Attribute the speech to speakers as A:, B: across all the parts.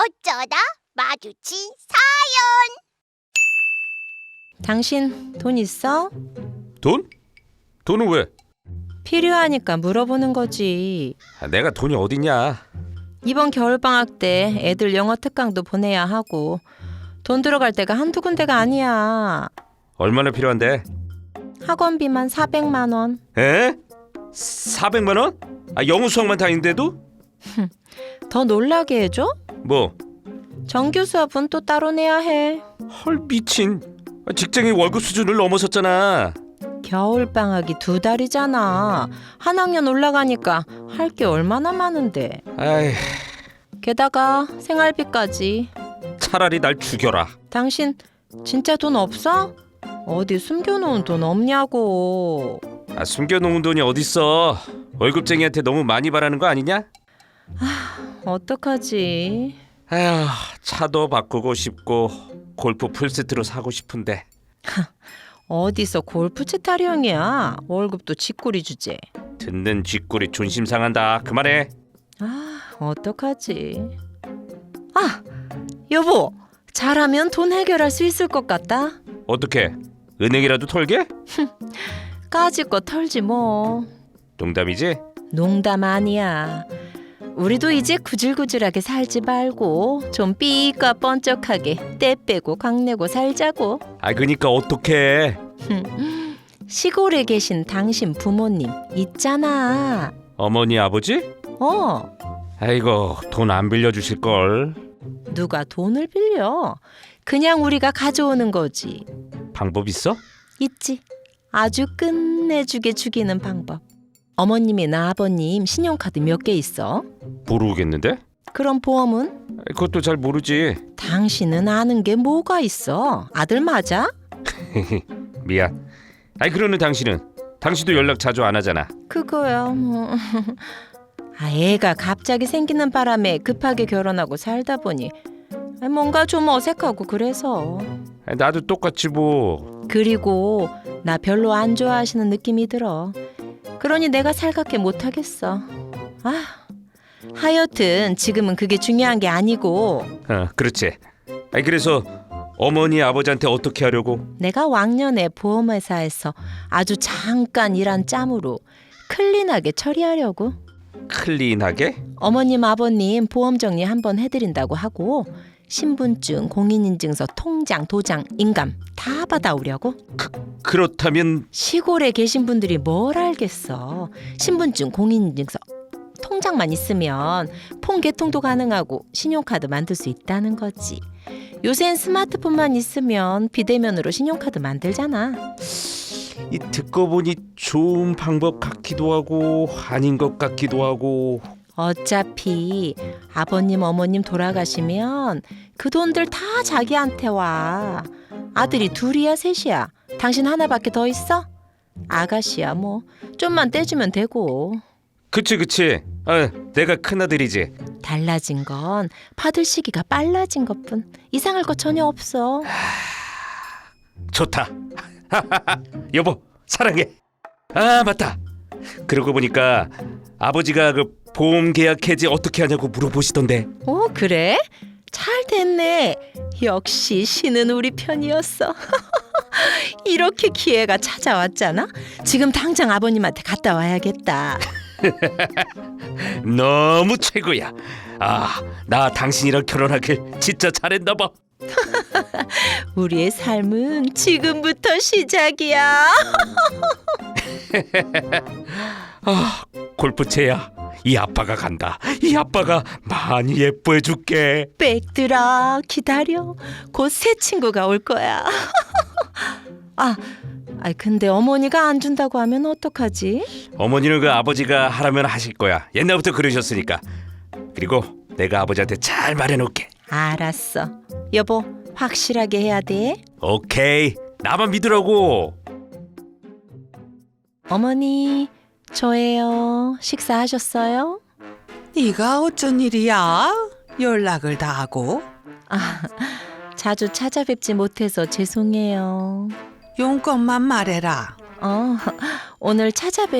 A: 어쩌다 마주친
B: 당신 돈 있어?
C: 돈? 돈은 왜?
B: 필요하니까 물어보는 거지.
C: 내가 돈이 어딨냐.
B: 이번 겨울방학 때 애들 영어 특강도 보내야 하고 돈 들어갈 데가 한두 군데가 아니야.
C: 얼마나 필요한데?
B: 학원비만 400만 원.
C: 에? 400만 원? 영어 수학만 다니는데도?
B: 더 놀라게 해줘?
C: 뭐?
B: 정규 수업은 또 따로 내야 해.
C: 헐 미친. 직장인 월급 수준을 넘어섰잖아.
B: 겨울방학이 2달이잖아. 한 학년 올라가니까 할 게 얼마나 많은데.
C: 아이,
B: 게다가 생활비까지.
C: 차라리 날 죽여라.
B: 당신 진짜 돈 없어? 어디 숨겨놓은 돈 없냐고.
C: 숨겨놓은 돈이 어딨어. 월급쟁이한테 너무 많이 바라는 거 아니냐?
B: 어떡하지?
C: 아휴, 차도 바꾸고 싶고 골프 풀세트로 사고 싶은데.
B: 어디서 골프채 타령이야. 월급도 쥐꼬리 주제.
C: 듣는 쥐꼬리 존심 상한다. 그만해.
B: 어떡하지? 여보, 잘하면 돈 해결할 수 있을 것 같다.
C: 어떻게? 은행이라도 털게?
B: 까짓 거 털지 뭐.
C: 농담이지?
B: 농담 아니야. 우리도 이제 구질구질하게 살지 말고 좀 삐까 번쩍하게 때 빼고 강내고 살자고.
C: 그니까 어떡해.
B: 시골에 계신 당신 부모님 있잖아.
C: 어머니 아버지? 아이고, 돈 안 빌려주실걸.
B: 누가 돈을 빌려? 그냥 우리가 가져오는 거지.
C: 방법 있어?
B: 있지. 아주 끝내주게 죽이는 방법. 어머님이나 아버님 신용카드 몇 개 있어?
C: 모르겠는데?
B: 그럼 보험은?
C: 그것도 잘 모르지.
B: 당신은 아는 게 뭐가 있어? 아들 맞아?
C: 미안. 그러는 당신도 연락 자주 안 하잖아.
B: 그거야 뭐. 애가 갑자기 생기는 바람에 급하게 결혼하고 살다 보니 뭔가 좀 어색하고 그래서.
C: 나도 똑같이 뭐.
B: 그리고 나 별로 안 좋아하시는 느낌이 들어. 그러니 내가 살갑게 못하겠어. 하여튼 지금은 그게 중요한 게 아니고.
C: 그렇지. 그래서 어머니 아버지한테 어떻게 하려고?
B: 내가 왕년에 보험회사에서 아주 잠깐 일한 짬으로 클린하게 처리하려고.
C: 클린하게?
B: 어머님 아버님 보험 정리 한번 해드린다고 하고 신분증, 공인인증서, 통장, 도장, 인감 다 받아오려고.
C: 그렇다면
B: 시골에 계신 분들이 뭘 알겠어. 신분증, 공인인증서, 통장만 있으면 폰 개통도 가능하고 신용카드 만들 수 있다는 거지. 요샌 스마트폰만 있으면 비대면으로 신용카드 만들잖아.
C: 듣고 보니 좋은 방법 같기도 하고 아닌 것 같기도 하고.
B: 어차피 아버님 어머님 돌아가시면 그 돈들 다 자기한테 와. 아들이 둘이야 셋이야? 당신 하나밖에 더 있어? 아가씨야 뭐 좀만 떼주면 되고.
C: 그치. 내가 큰아들이지.
B: 달라진 건 받을 시기가 빨라진 것뿐. 이상할 거 전혀 없어.
C: 좋다. 여보 사랑해. 맞다. 그러고 보니까 아버지가 그 보험 계약 해지 어떻게 하냐고 물어보시던데.
B: 그래? 잘 됐네. 역시 신은 우리 편이었어. 이렇게 기회가 찾아왔잖아. 지금 당장 아버님한테 갔다 와야겠다.
C: 너무 최고야. 나 당신이랑 결혼하길 진짜 잘했나 봐.
B: 우리의 삶은 지금부터 시작이야.
C: 골프채야, 이 아빠가 간다. 이 아빠가 많이 예뻐해 줄게.
B: 빽들아 기다려. 곧 새 친구가 올 거야. 근데 어머니가 안 준다고 하면 어떡하지?
C: 어머니는 그 아버지가 하라면 하실 거야. 옛날부터 그러셨으니까. 그리고 내가 아버지한테 잘 말해놓을게.
B: 알았어. 여보 확실하게 해야 돼.
C: 오케이. 나만 믿으라고.
B: 어머니 저예요. 식사하셨어요?
D: 네가 어쩐 일이야? 연락을 다 하고.
B: 자주 찾아뵙지 못해서 죄송해요.
D: 용건만 말해라.
B: 오늘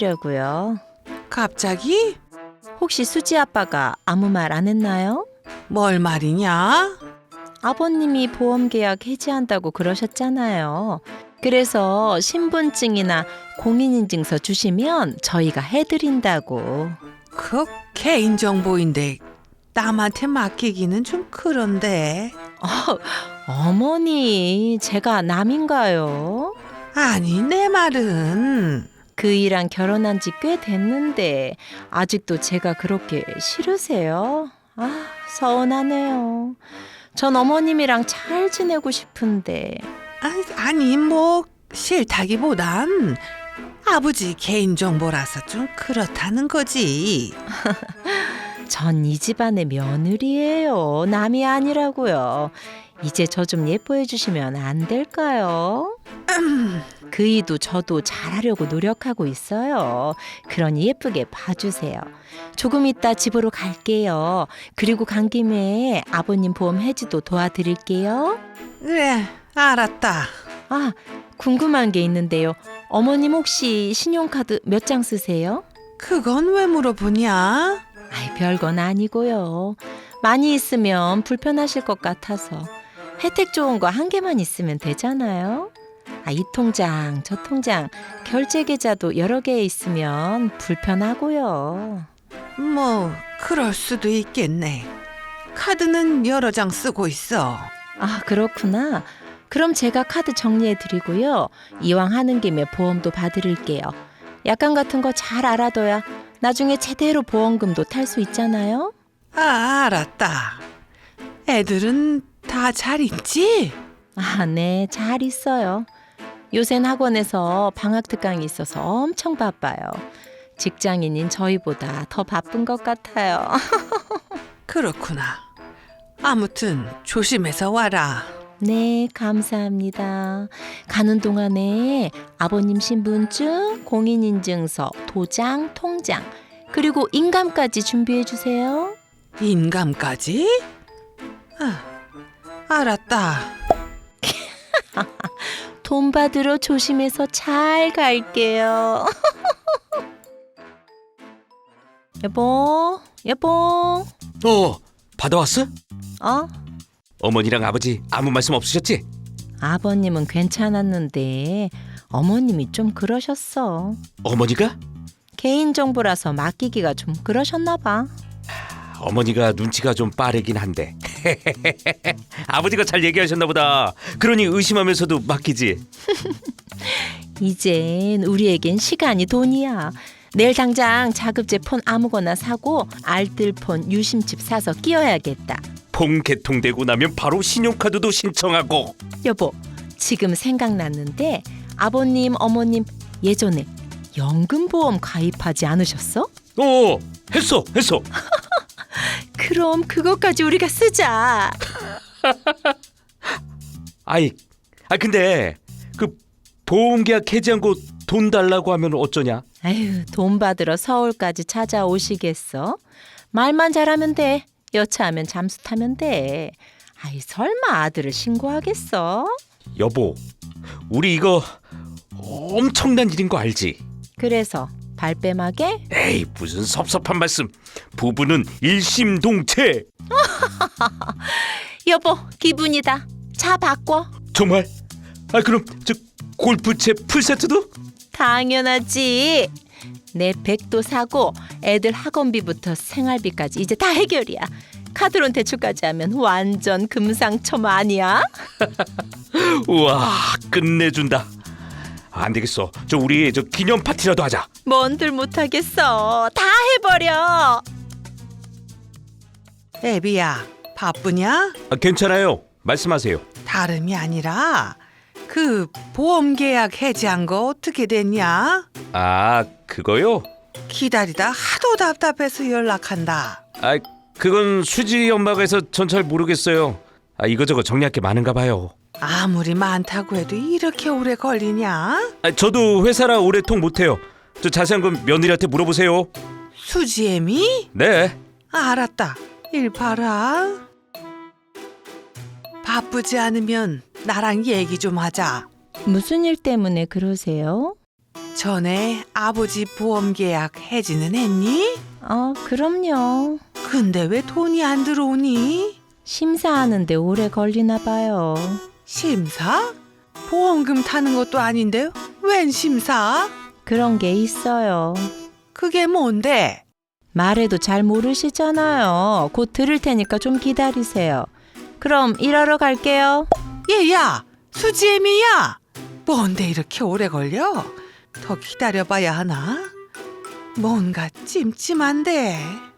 B: 찾아뵈려고요.
D: 갑자기?
B: 혹시 수지 아빠가 아무 말 안 했나요?
D: 뭘 말이냐?
B: 아버님이 보험 계약 해지한다고 그러셨잖아요. 그래서 신분증이나 공인인증서 주시면 저희가 해드린다고.
D: 그 개인정보인데 남한테 맡기기는 좀 그런데.
B: 어머니, 제가 남인가요?
D: 아니, 내 말은
B: 그이랑 결혼한 지 꽤 됐는데 아직도 제가 그렇게 싫으세요? 아, 서운하네요. 전 어머님이랑 잘 지내고 싶은데.
D: 아니 뭐 싫다기보단 아버지 개인정보라서 좀 그렇다는 거지.
B: 전 이 집안의 며느리예요. 남이 아니라고요. 이제 저 좀 예뻐해 주시면 안 될까요? 그이도 저도 잘하려고 노력하고 있어요. 그러니 예쁘게 봐주세요. 조금 이따 집으로 갈게요. 그리고 간 김에 아버님 보험 해지도 도와드릴게요.
D: 그래, 알았다.
B: 아, 궁금한 게 있는데요. 어머님 혹시 신용카드 몇 장 쓰세요?
D: 그건 왜 물어보냐?
B: 아이, 별건 아니고요. 많이 있으면 불편하실 것 같아서 혜택 좋은 거 한 개만 있으면 되잖아요. 아, 이 통장, 저 통장, 결제 계좌도 여러 개 있으면 불편하고요.
D: 뭐 그럴 수도 있겠네. 카드는 여러 장 쓰고 있어.
B: 아, 그렇구나. 그럼 제가 카드 정리해 드리고요. 이왕 하는 김에 보험도 봐드릴게요. 약관 같은 거 잘 알아둬야 나중에 제대로 보험금도 탈 수 있잖아요.
D: 아, 알았다. 애들은 다 잘 있지?
B: 아, 네, 잘 있어요. 요샌 학원에서 방학 특강이 있어서 엄청 바빠요. 직장인인 저희보다 더 바쁜 것 같아요.
D: 그렇구나. 아무튼 조심해서 와라.
B: 네, 감사합니다. 가는 동안에 아버님 신분증, 공인인증서, 도장, 통장, 그리고 인감까지 준비해 주세요.
D: 인감까지? 아, 알았다.
B: 돈 받으러 조심해서 잘 갈게요. 여보, 여보.
C: 받아왔어?
B: 어?
C: 어머니랑 아버지 아무 말씀 없으셨지?
B: 아버님은 괜찮았는데 어머님이 좀 그러셨어.
C: 어머니가?
B: 개인정보라서 맡기기가 좀 그러셨나 봐.
C: 어머니가 눈치가 좀 빠르긴 한데 아버지가 잘 얘기하셨나 보다. 그러니 의심하면서도 맡기지.
B: 이젠 우리에겐 시간이 돈이야. 내일 당장 자급제 폰 아무거나 사고 알뜰폰 유심칩 사서 끼워야겠다.
C: 폰 개통되고 나면 바로 신용카드도 신청하고.
B: 여보, 지금 생각났는데 아버님, 어머님 예전에 연금보험 가입하지 않으셨어?
C: 했어.
B: 그럼 그것까지 우리가 쓰자.
C: 근데 그 보험계약 해지한 거 돈 달라고 하면 어쩌냐?
B: 아유, 돈 받으러 서울까지 찾아오시겠어? 말만 잘하면 돼. 여차하면 잠수 타면 돼. 아이, 설마 아들을 신고하겠어?
C: 여보, 우리 이거 엄청난 일인 거 알지?
B: 그래서 발뺌하게?
C: 에이, 무슨 섭섭한 말씀. 부부는 일심동체.
B: 여보, 기분이다. 차 바꿔.
C: 정말? 그럼 저 골프채 풀세트도?
B: 당연하지. 내 백도 사고 애들 학원비부터 생활비까지 이제 다 해결이야. 카드론 대출까지 하면 완전 금상첨 아니야?
C: 우와, 끝내준다. 안 되겠어. 우리 기념 파티라도 하자.
B: 뭔들 못하겠어. 다 해버려.
D: 애비야, 바쁘냐?
C: 괜찮아요. 말씀하세요.
D: 다름이 아니라 그 보험 계약 해지한 거 어떻게 됐냐?
C: 그거요?
D: 기다리다 하도 답답해서 연락한다.
C: 그건 수지 엄마가 해서 전 잘 모르겠어요. 이거저거 정리할 게 많은가 봐요.
D: 아무리 많다고 해도 이렇게 오래 걸리냐?
C: 저도 회사라 오래 통 못해요. 자세한 건 며느리한테 물어보세요.
D: 수지애미?
C: 네.
D: 알았다. 일 봐라. 바쁘지 않으면 나랑 얘기 좀 하자.
B: 무슨 일 때문에 그러세요?
D: 전에 아버지 보험 계약 해지는 했니?
B: 그럼요.
D: 근데 왜 돈이 안 들어오니?
B: 심사하는데 오래 걸리나 봐요.
D: 심사? 보험금 타는 것도 아닌데 웬 심사?
B: 그런 게 있어요.
D: 그게 뭔데?
B: 말해도 잘 모르시잖아요. 곧 들을 테니까 좀 기다리세요. 그럼 일하러 갈게요.
D: 얘야, 수지애미야. 뭔데 이렇게 오래 걸려? 더 기다려봐야 하나? 뭔가 찜찜한데.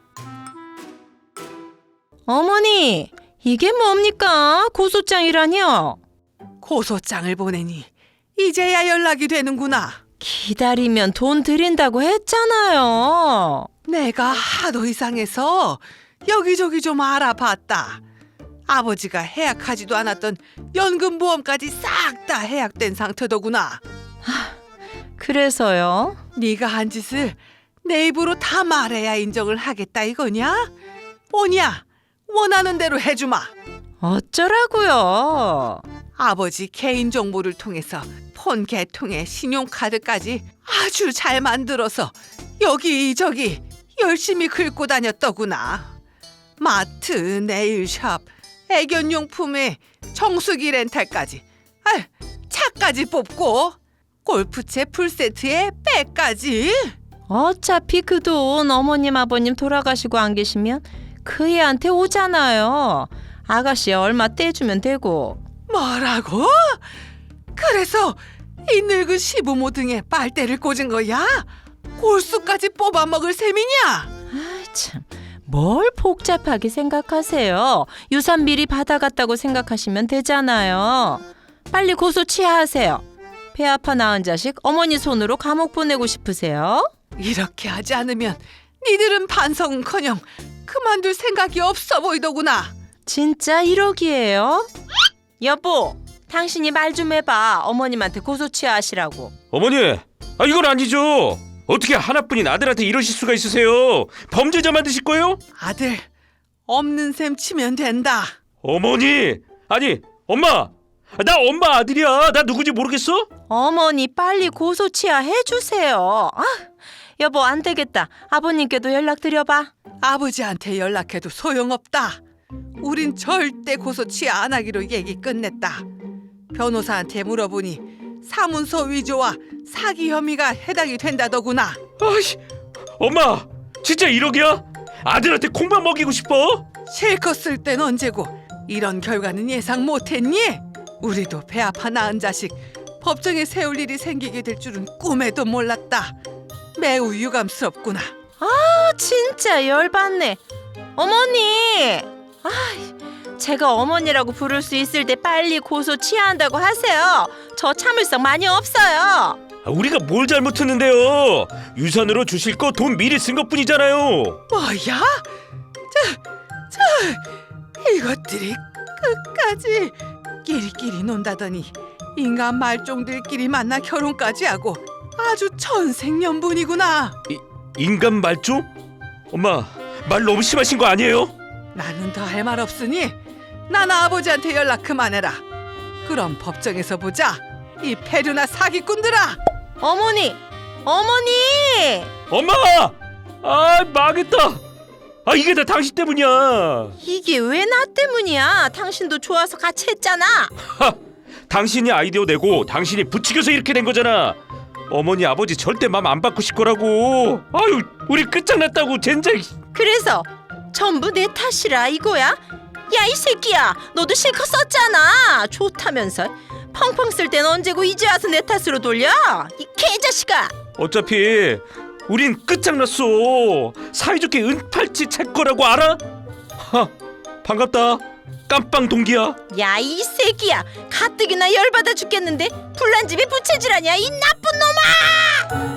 B: 어머니, 이게 뭡니까? 고소장이라뇨?
D: 고소장을 보내니 이제야 연락이 되는구나.
B: 기다리면 돈 드린다고 했잖아요.
D: 내가 하도 이상해서 여기저기 좀 알아봤다. 아버지가 해약하지도 않았던 연금보험까지 싹 다 해약된 상태더구나.
B: 그래서요?
D: 네가 한 짓을 내 입으로 다 말해야 인정을 하겠다 이거냐? 뭐냐? 원하는 대로 해주마.
B: 어쩌라고요?
D: 아버지 개인정보를 통해서 폰 개통에 신용카드까지 아주 잘 만들어서 여기저기 열심히 긁고 다녔더구나. 마트, 네일샵, 애견용품에 정수기 렌탈까지, 차까지 뽑고 골프채 풀세트에 백까지.
B: 어차피 그 돈 어머님 아버님 돌아가시고 안 계시면 그 애한테 오잖아요. 아가씨 얼마 떼주면 되고.
D: 뭐라고? 그래서 이 늙은 시부모 등에 빨대를 꽂은 거야? 골수까지 뽑아먹을 셈이냐?
B: 아이 참, 뭘 복잡하게 생각하세요. 유산 미리 받아갔다고 생각하시면 되잖아요. 빨리 고소 취하하세요. 배 아파 낳은 자식 어머니 손으로 감옥 보내고 싶으세요?
D: 이렇게 하지 않으면 니들은 반성은커녕 그만둘 생각이 없어 보이더구나.
B: 진짜 1억이에요? 여보, 당신이 말 좀 해봐. 어머님한테 고소 취하하시라고.
C: 어머니, 이건 아니죠. 어떻게 하나뿐인 아들한테 이러실 수가 있으세요? 범죄자 만드실 거예요?
D: 아들, 없는 셈 치면 된다.
C: 어머니, 아니 엄마, 나 엄마 아들이야. 나 누구지 모르겠어?
B: 어머니 빨리 고소 취하해주세요. 여보 안 되겠다. 아버님께도 연락드려봐.
D: 아버지한테 연락해도 소용없다. 우린 절대 고소 취하 안 하기로 얘기 끝냈다. 변호사한테 물어보니 사문서 위조와 사기 혐의가 해당이 된다더구나.
C: 아이씨, 엄마, 진짜 1억이야? 아들한테 콩만 먹이고 싶어?
D: 실컷 쓸 땐 언제고 이런 결과는 예상 못했니? 우리도 배 아파 낳은 자식 법정에 세울 일이 생기게 될 줄은 꿈에도 몰랐다. 매우 유감스럽구나.
B: 진짜 열받네. 어머니, 제가 어머니라고 부를 수 있을 때 빨리 고소 취하한다고 하세요. 저 참을성 많이 없어요.
C: 우리가 뭘 잘못했는데요? 유산으로 주실 거 돈 미리 쓴 것뿐이잖아요.
D: 뭐야? 이것들이 끝까지 끼리끼리 논다더니 인간 말종들끼리 만나 결혼까지 하고 아주 천생연분이구나.
C: 인간 말종? 엄마, 말 너무 심하신 거 아니에요?
D: 나는 더 할 말 없으니 난 아버지한테 연락 그만해라. 그럼 법정에서 보자. 이 패류나 사기꾼들아.
B: 어머니,
C: 엄마! 망했다. 이게 다 당신 때문이야.
B: 이게 왜 나 때문이야? 당신도 좋아서 같이 했잖아.
C: 당신이 아이디어 내고 당신이 부추겨서 이렇게 된 거잖아. 어머니 아버지 절대 맘 안 바꾸실 거라고. 아유, 우리 끝장났다고 젠장.
B: 그래서 전부 내 탓이라 이거야? 야 이 새끼야, 너도 실컷 썼잖아. 좋다면서 펑펑 쓸 땐 언제고 이제 와서 내 탓으로 돌려? 이 개자식아.
C: 어차피 우린 끝장났어. 사이좋게 은팔찌 찰 거라고 알아? 반갑다. 깜빵 동기야.
B: 야 이 새끼야, 가뜩이나 열받아 죽겠는데 불난 집에 부채질하냐 이 나쁜 놈아.